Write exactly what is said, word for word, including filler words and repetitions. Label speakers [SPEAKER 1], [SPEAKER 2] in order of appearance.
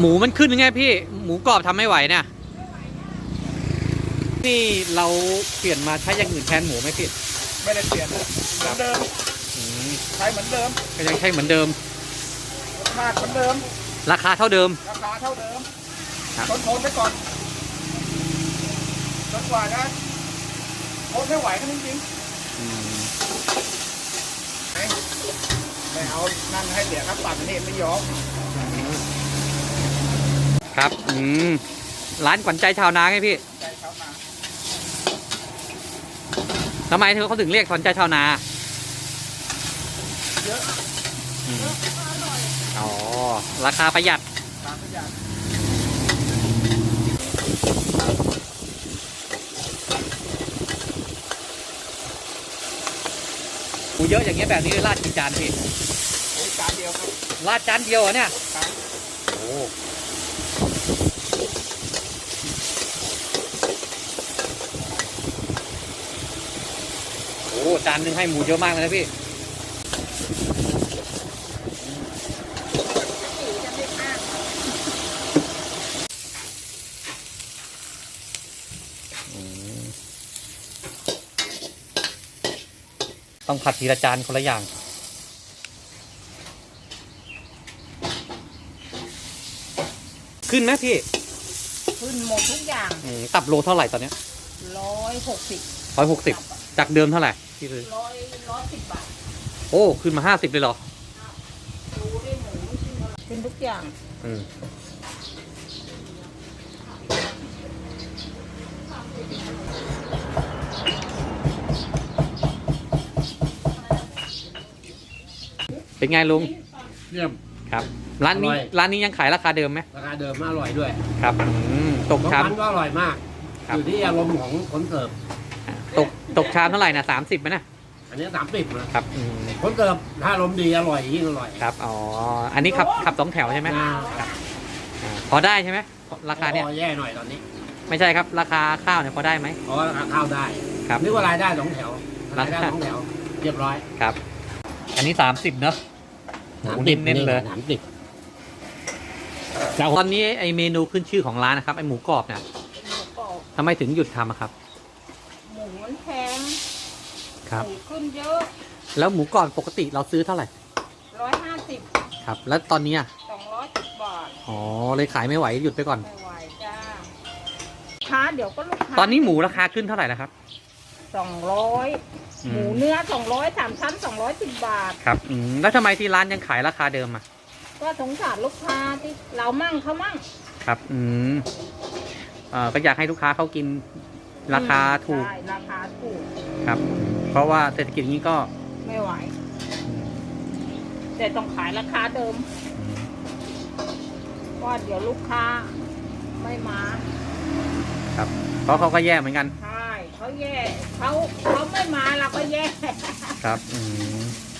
[SPEAKER 1] หมูมันขึ้นยังไงพี่หมูกรอบทำไม่ไหวเนี่ยนี่เราเปลี่ยนมาใช้อย่างอื่นแทนหมูไหมพี่
[SPEAKER 2] ไม่ได้เปลี่ยนเหมือนเดิมใช้เหมือนเดิม
[SPEAKER 1] ก็ยังใช้เหมือนเดิม
[SPEAKER 2] รสชาติเหมือนเดิม
[SPEAKER 1] ราคาเท่าเดิม
[SPEAKER 2] ราคาเท่าเดิมทนทนไปก่อนจนกว่าจะทนไม่ไหวกันจริงๆไม่เอานั่งให้เสียครับปัดนี่ไม่ยอม
[SPEAKER 1] ครับอืมร้านขวัญใจชาวนาไงพี่
[SPEAKER 2] ใจชาวนา
[SPEAKER 1] ทำไมเธอเขาถึงเรียกขวัญใจชาวนา
[SPEAKER 2] เยอะ
[SPEAKER 1] อ๋อราคาประหยัด
[SPEAKER 2] ราคาประหยัด
[SPEAKER 1] หมูเยอะอย่างเงี้ยแบบนี้ราดกี่จานพี่
[SPEAKER 2] จานเดียวครับ
[SPEAKER 1] ราดจานเดียวเหรอเนี่ยโอ้โหจานนึงให้หมูเยอะมากเลยนะพี่ต้องผัดทีละจานคนละอย่างขึ้นไหมพี่
[SPEAKER 3] ขึ้นหมดทุกอย่าง
[SPEAKER 1] ตับโลเท่าไหร่ตอนนี้
[SPEAKER 3] ร้อยหกสิบ
[SPEAKER 1] ร้อยหกสิบจากเดิมเท่าไหร่พี่เลย
[SPEAKER 3] ร้อยร้อยสิบบาท
[SPEAKER 1] โอ้ขึ้นมาห้าสิบเลยเหรอ
[SPEAKER 3] ดูได้หมูขึ้นทุกอย่างอืม
[SPEAKER 1] เป็นไงลุง
[SPEAKER 2] เยี่ยม
[SPEAKER 1] ครับร้านนี้ร้านนี้ยังขายราคาเดิมไหม
[SPEAKER 2] ราคาเดิมอร่อยด้วย
[SPEAKER 1] ครับตกชาม
[SPEAKER 2] ก็อร่อยมากอยู่ที่อารมณ์ของคนเสิร์ฟ
[SPEAKER 1] ตกตกชามเท่าไหร่นะสามสิบไหมนะ
[SPEAKER 2] อันนี้สามสิบ
[SPEAKER 1] นะครับ
[SPEAKER 2] คนเสิร์ฟถ้าอารมณ์ดีอร่อยยิ่งอร่อย
[SPEAKER 1] ครับอ๋ออันนี้ขับขับสองแถวใช่ไหมครับพอได้ใช่ไหมราคาเนี้ย
[SPEAKER 2] พอแย่หน่อยตอนนี้
[SPEAKER 1] ไม่ใช่ครับราคาข้าวเนี่ยพอได้ไหม
[SPEAKER 2] เพราะราคาข้าวได้
[SPEAKER 1] ครับ
[SPEAKER 2] นึกว่ารายได้สองแถวรายได้สองแถวเรียบร้อย
[SPEAKER 1] ครับอันนี้สามสิบเนอะหมูเน้นๆเลย
[SPEAKER 2] สามสิบ
[SPEAKER 1] ตอนนี้ไอเมนูขึ้นชื่อของร้านนะครับไอหมูกรอบเนี่ยทำไมถึงหยุดทำครับ
[SPEAKER 3] หมูมันแพง
[SPEAKER 1] ครับ
[SPEAKER 3] หมูขึ้นเยอะ
[SPEAKER 1] แล้วหมูกรอบปกติเราซื้อเท่าไหร่
[SPEAKER 3] ร้อยห้าสิบ
[SPEAKER 1] ครับแล้วตอนนี้
[SPEAKER 3] สองร้อยสิบบาท
[SPEAKER 1] อ๋อเลยขายไม่ไหวหยุดไปก่อน
[SPEAKER 3] ไม่ไหวจ้าค้าเดี๋ยวก็ลูกค้า
[SPEAKER 1] ตอนนี้หมูราคาขึ้นเท่าไหร่แล้วครับ
[SPEAKER 3] สองร้อยหมูเนื้อสองร้อยสามชั้นสองร้อยสิบบาท
[SPEAKER 1] ครับอืมแล้วทำไมที่ร้านยังขายราคาเดิมอ่ะ
[SPEAKER 3] ก็สงสารลูกค้าที่เรามั่งเขามั่ง
[SPEAKER 1] ครับอืมเอ่อก็อยากให้ลูกค้าเขากินราคาถูก
[SPEAKER 3] ใช่ราคาถูก
[SPEAKER 1] ครับเพราะว่าเศรษฐกิจอย่างนี้ก็
[SPEAKER 3] ไม่ไหวแต่ต้องขายราคาเดิมเพราะเดี๋ยวลูกค้าไม่มา
[SPEAKER 1] ครับเพราะเขาก็แย่เหมือนกัน
[SPEAKER 3] ใช่เขาแย่เขาเขาไม่มาเราก็แย่
[SPEAKER 1] ครับอืม